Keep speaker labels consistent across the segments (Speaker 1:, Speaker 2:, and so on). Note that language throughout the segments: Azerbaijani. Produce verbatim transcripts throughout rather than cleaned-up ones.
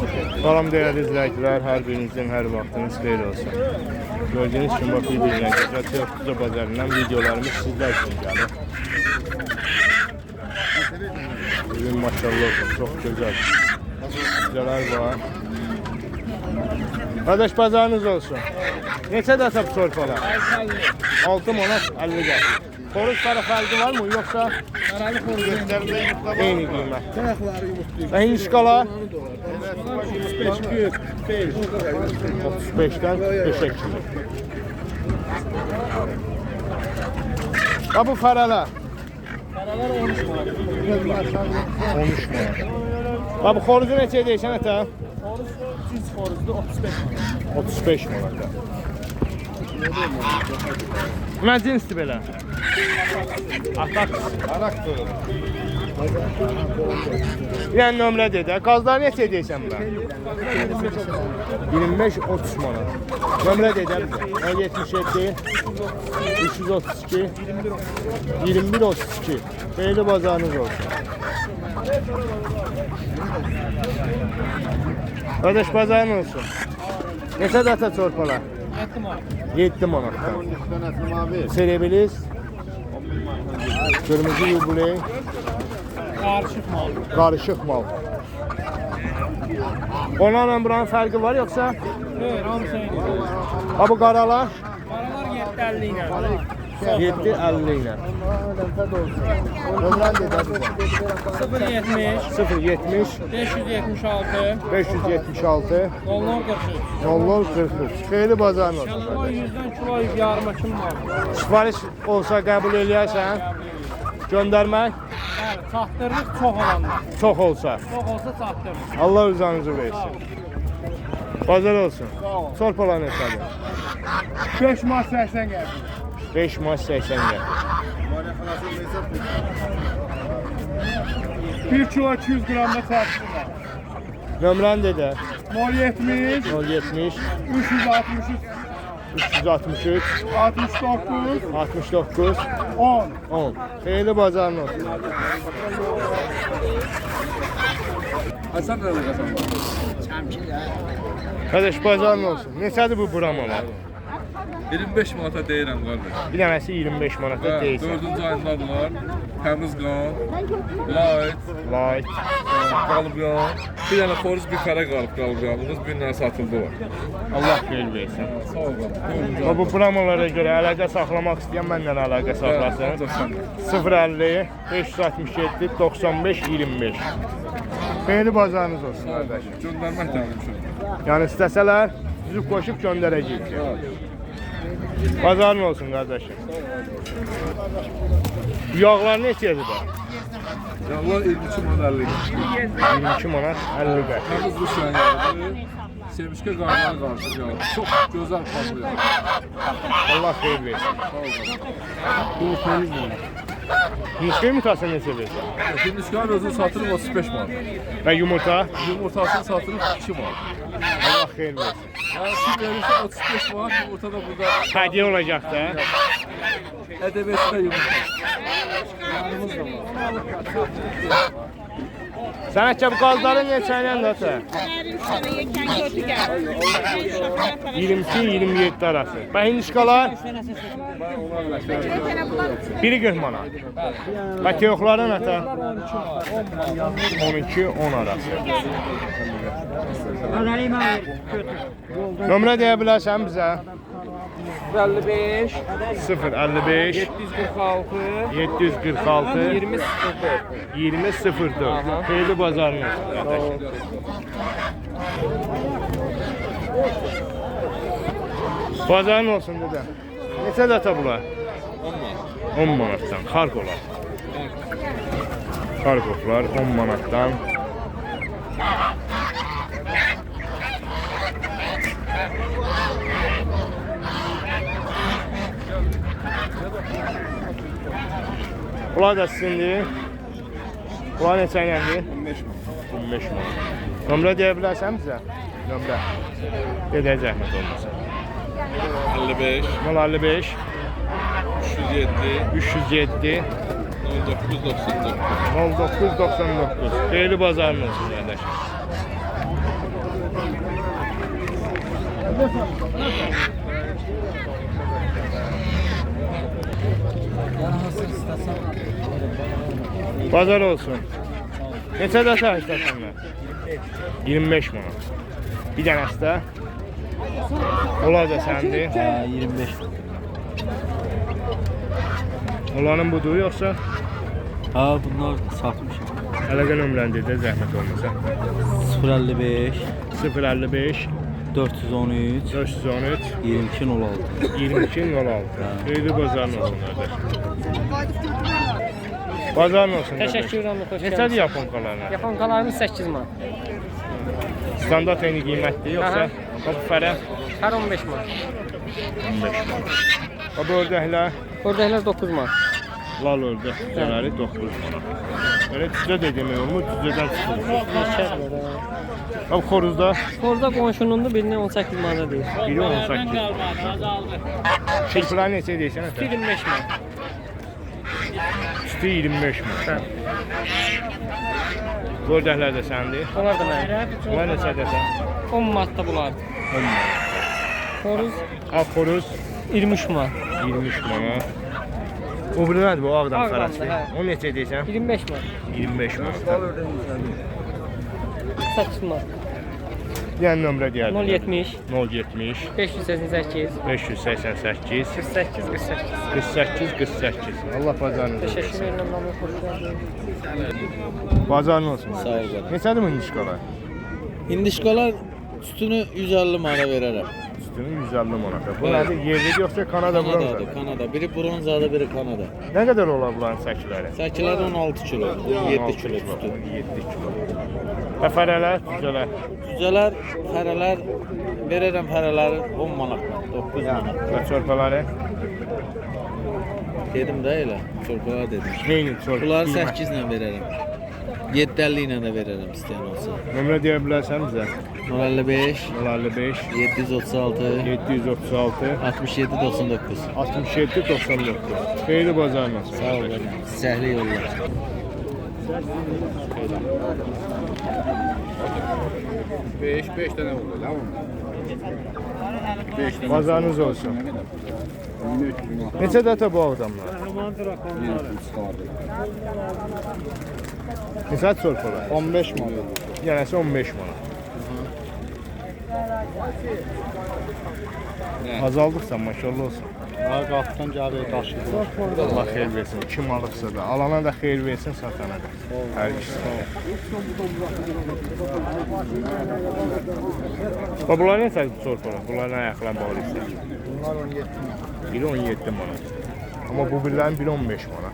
Speaker 1: Salam değerli izləyicilər, hər birinizin hər vaxtınız xeyir olsun. Gördüğünüz kimi bakı izləyicilər, Teokuza bazarından videolarımız sizlər üçün gəlir. Bugün maşallah olsun, çox gözəl. Güzələr var. Qardaş bazarınız olsun. Neçə də atıb sorpalar? altı manat əlli qəpik. Xoruz para fərqi var mı yoksa?
Speaker 2: Karalı xoruzlarında
Speaker 1: eyni qiymət.
Speaker 2: Tarafları yumurtluyor.
Speaker 1: Və hindişkala?
Speaker 2: otuz beş kök.
Speaker 1: otuz beşdən beşə kilo. Ha bu faralar?
Speaker 2: Karalar on üç manat.
Speaker 1: on üç manat. Ha bu xoruzu neçə deyirsən ətə?
Speaker 2: Xoruz cins xoruzdu otuz beş manat.
Speaker 1: otuz beş manat. Nə cinsdir belə? Atak. Arak durur. Yəni nömrə dedə. Qazlar neçə deyirsən bura? iyirmi beş otuz manat. Nömrə dedə bizə. yetmiş yeddi üç yüz otuz iki iyirmi bir otuz iki. Xeyirli bazarınız olsun. Qardaş bazarın olsun. Neçə data çorpalar? yeddi manatdan. Serebiliz. Kırmızı yubiley.
Speaker 2: Karışık mal.
Speaker 1: Karışık mal. Onlarla buranın fərqi var yoksa?
Speaker 2: Evet, hamısı eyni.
Speaker 1: Ha bu qaralar?
Speaker 2: Qaralar yeddi əlli ilə.
Speaker 1: yeddi əlli ilə. Ömrən dedə bizə.
Speaker 2: sıfır yetmiş
Speaker 1: sıfır yetmiş
Speaker 2: beş yüz yetmiş altı
Speaker 1: beş yüz yetmiş altı
Speaker 2: nol nol qırx üç.
Speaker 1: nol nol qırx üç. Xeyli bazarın olsun.
Speaker 2: Şalama yüzdən kilo yarıma kim var?
Speaker 1: Sipariş olsa qəbul eləyərsən? Göndərmək?
Speaker 2: Bəli, çatdırırıq çox olanlar.
Speaker 1: Çox olsa.
Speaker 2: Çox olsa çatdırırıq.
Speaker 1: Allah rızanızı versin. Bazar olsun. Sorpalar neçədir?
Speaker 2: beş manat səksən gəldi.
Speaker 1: beş manat səksən gəl.
Speaker 2: bir kilo iki yüz qramda çatdırırıq.
Speaker 1: Nömrən dedə.
Speaker 2: nol yetmiş
Speaker 1: nol yetmiş
Speaker 2: üç yüz altmış üç
Speaker 1: üç yüz altmış üç
Speaker 2: altmış doqquz
Speaker 1: altmış doqquz
Speaker 2: on.
Speaker 1: on. Xeyli bazarın olsun.
Speaker 2: Hasan da qazandı.
Speaker 1: Qardaş bazarın olsun. Neçədir bu buramalar?
Speaker 3: iyirmi beş manata deyirəm qardaş.
Speaker 1: Bir dənəsi iyirmi beş manata
Speaker 3: Və
Speaker 1: deyirsən.
Speaker 3: dördüncü ayındadılar. Təmiz qan, light,
Speaker 1: Light.
Speaker 3: qalıb yan. Bir dənə xoruz bir kara qalıb qalıb yanımız. Bir dənə satıldı var.
Speaker 1: Allah xeyir versin.
Speaker 3: Sağ ol qardaş.
Speaker 1: Və bu buramalara görə əlaqə saxlamaq istəyən məndən əlaqə saxlasın. sıfır əlli beş yüz altmış yeddi doxsan beş iyirmi beş. Xeyli bazarınız olsun qardaş.
Speaker 3: Göndərmək də mümkün.
Speaker 1: Yəni istəsələr üzüb qoşub göndərəcəyik. Bazarın olsun qardaşım. Bu yağlar neçədir də?
Speaker 3: Yağlar iyirmi iki manat əlli.
Speaker 1: iyirmi iki manat əlli qəpik.
Speaker 3: Təmiz Rusiyan yağı. Semişkə qarnına qarşı yağı. Çox gözəl qanlı yağı.
Speaker 1: Allah xeyir versin.
Speaker 3: Sağ ol qardaş.
Speaker 1: Bu təmiz mi? Yumurta yumurtası neçə versin?
Speaker 3: Hindişkan özünü satırıq otuz beş manat.
Speaker 1: Və yumurta?
Speaker 3: Yumurtasını satırıq iki manat.
Speaker 1: Allah xeyir versin.
Speaker 3: Yəni siz verirsə otuz beş manat yumurta da burada.
Speaker 1: Hədiyyə olacaq da.
Speaker 3: Ədəbiyyatda yumurta.
Speaker 1: Sənətçə bu qazların neçəylə də ata? iyirmi iki iyirmi yeddi arası. Və hindişkalar? Biri qırx manat. Və teyoxların ata? on iki on arası. Nömrə deyə bilərsən bizə?
Speaker 2: əlli beş
Speaker 1: sıfır əlli beş
Speaker 2: yeddi yüz qırx altı
Speaker 1: yeddi yüz qırx altı
Speaker 2: iyirmi sıfır dörd.
Speaker 1: iyirmi sıfır dörd. Xeyli bazarın olsun qardaş. Bazarın olsun dedə. Neçə data bunlar? on manatdan. Xarqolar. Xarqoflar on manatdan. Bunlar da sizindir. Bunlar neçə iləndir? on beş manat. Nömrə deyə bilərsən bizə? Nömrə. Dedə zəhmət olmasa.
Speaker 3: əlli beş
Speaker 1: nol əlli beş
Speaker 3: üç yüz yeddi
Speaker 1: üç yüz yeddi
Speaker 3: nol doqquz doxsan doqquz.
Speaker 1: nol doqquz doxsan doqquz. Xeyli bazarın olsun qardaşım. Bazar olsun. Neçə də səhistəsənlər? iyirmi beş manat. Bir dənəsi də. Onlar da səndir.
Speaker 4: Ha, iyirmi beş.
Speaker 1: Onların budur yoxsa?
Speaker 4: Ha, bunlar satmışım.
Speaker 1: Əlaqə nömrəni də zəhmət olmasa.
Speaker 4: sıfır əlli beş,
Speaker 1: sıfır əlli beş,
Speaker 4: dörd yüz on üç,
Speaker 1: dörd yüz on üç,
Speaker 4: iyirmi iki nol altı.
Speaker 1: iyirmi iki nol altı. Xeyirli bazarın olsun qardaş. Bazarın olsun qardaş.
Speaker 5: Təşəkkür edirəm, xoş
Speaker 1: Neçədir
Speaker 5: gəldiniz.
Speaker 1: yaponkalarına?
Speaker 5: Yaponkalarımız səkkiz manat.
Speaker 1: Standart eyni qiymətdir yoxsa?
Speaker 5: Aha.
Speaker 1: Bax fərə
Speaker 5: Hər on beş manat.
Speaker 1: on beş manat. Bax ördəklər,
Speaker 5: Ördəklər doqquz manat.
Speaker 1: lal ördək cüzələri doqquz manat. Belə cüzə də demək olmur, cüzədən çıxır.
Speaker 5: Neçədir?
Speaker 1: Bax xoruzda
Speaker 5: Orada qonşunundur, birini on səkkiz manata deyir.
Speaker 1: biri on səkkiz. Şirklər neçə deyirsən?
Speaker 5: iyirmi beş manat.
Speaker 1: Üstü iyirmi beş manat. Ördəklər də səndir.
Speaker 5: Onlar da mənim.
Speaker 1: Bunlar neçə desən?
Speaker 5: on manatda bunlardır.
Speaker 1: on manat.
Speaker 5: Xoruz
Speaker 1: Ağ xoruz
Speaker 5: iyirmi üç manat.
Speaker 1: iyirmi üç manat. O biri nədir bu ağdam
Speaker 5: Ağdamdır,
Speaker 1: fərəsi?
Speaker 5: hə.
Speaker 1: O neçə deyirsən?
Speaker 5: iyirmi beş manat.
Speaker 1: iyirmi beş manat.
Speaker 5: səkkiz manat.
Speaker 1: Yəni nömrə deyərdim.
Speaker 5: nol yetmiş,
Speaker 1: nol yetmiş,
Speaker 5: beş yüz səksən səkkiz,
Speaker 1: beş yüz səksən səkkiz,
Speaker 5: qırx səkkiz, qırx səkkiz.
Speaker 1: qırx səkkiz, qırx səkkiz. Allah bazarınızı
Speaker 5: Təşəkkür
Speaker 1: versin.
Speaker 5: edirəm, namı xoş gəldiniz.
Speaker 1: Bazarın olsun.
Speaker 4: Sağ ol canım.
Speaker 1: Neçədir bu indişkalar?
Speaker 4: İndişkalar üstünü yüz əlli manata verərəm.
Speaker 1: Üstünü yüz əlli manata. Bu
Speaker 4: Evet.
Speaker 1: nədir? Yerli yoxsa Kanada bronza?
Speaker 4: Kanadadır, Kanada. Biri bronzadır, biri Kanada.
Speaker 1: Nə qədər olar bunların səkiləri?
Speaker 4: Səkilər on altı kilo, on yeddi kilo üstü.
Speaker 1: yeddi kilo. Və fərələr, cüzələr.
Speaker 4: Cüzələr, fərələr verərəm fərələri on manat, doqquz manat.
Speaker 1: Və çörpələri?
Speaker 4: Dedim də elə, çorbalar dedim.
Speaker 1: Neyini çörpə?
Speaker 4: Bunları səkkiz ilə verərəm. yeddi əlli ilə də verərəm istəyən olsa.
Speaker 1: Nömrə deyə bilərsən bizə?
Speaker 4: nol əlli beş,
Speaker 1: nol əlli beş,
Speaker 4: yeddi yüz otuz altı,
Speaker 1: yeddi yüz otuz altı,
Speaker 4: altmış yeddi doxsan doqquz.
Speaker 1: altmış yeddi doxsan doqquz. Xeyirli bazarın olsun.
Speaker 4: Sağ ol, səhli yollar.
Speaker 2: beş, beş tane oldu lan mı? beş tane.
Speaker 1: Bazarınız olsun. Neçə dətə bu adamlar? Neçə çörpələr?
Speaker 2: on beş manat.
Speaker 1: Yenəsi on beş manat. Azaldıqsa maşallah olsun.
Speaker 2: Ha, qapıdan gəlir, daşıyır.
Speaker 1: Allah xeyir versin. Kim alıqsa da, alana da xeyir versin, satana da. Hər ikisi. Bax, bunlar neçə çörpələr? Bunların ayaqlarına bağlı isə.
Speaker 2: Bunlar on yeddi manat.
Speaker 1: Biri on yeddi manat. Amma bu birlərin biri on beş manat.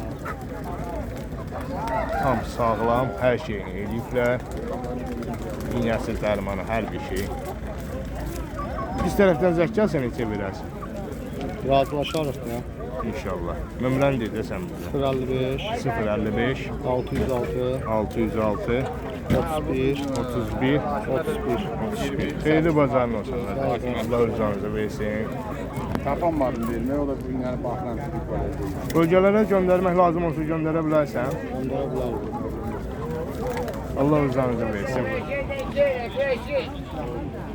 Speaker 1: Tam sağlam, hər şeyini eləyiblər. İynəsi, dərmanı, hər bir şey. Biz tərəfdən zəkkəlsə neçə verərsin?
Speaker 2: Razılaşarıq ya.
Speaker 1: İnşallah. Nömrəni deyə sən bizə.
Speaker 2: sıfır əlli beş,
Speaker 1: sıfır əlli beş,
Speaker 2: altı yüz altı,
Speaker 1: altı yüz altı,
Speaker 2: otuz bir,
Speaker 1: otuz bir,
Speaker 2: otuz bir.
Speaker 1: otuz bir. Xeyirli bazarın olsun. Allah özünüzü versin.
Speaker 2: Tapan var bilmək, o da bu günləri baxılan tutuq var.
Speaker 1: Bölgələrə göndərmək lazım olsa göndərə bilərsən.
Speaker 2: Onlara bilərdik.
Speaker 1: Allah özünüzü versin.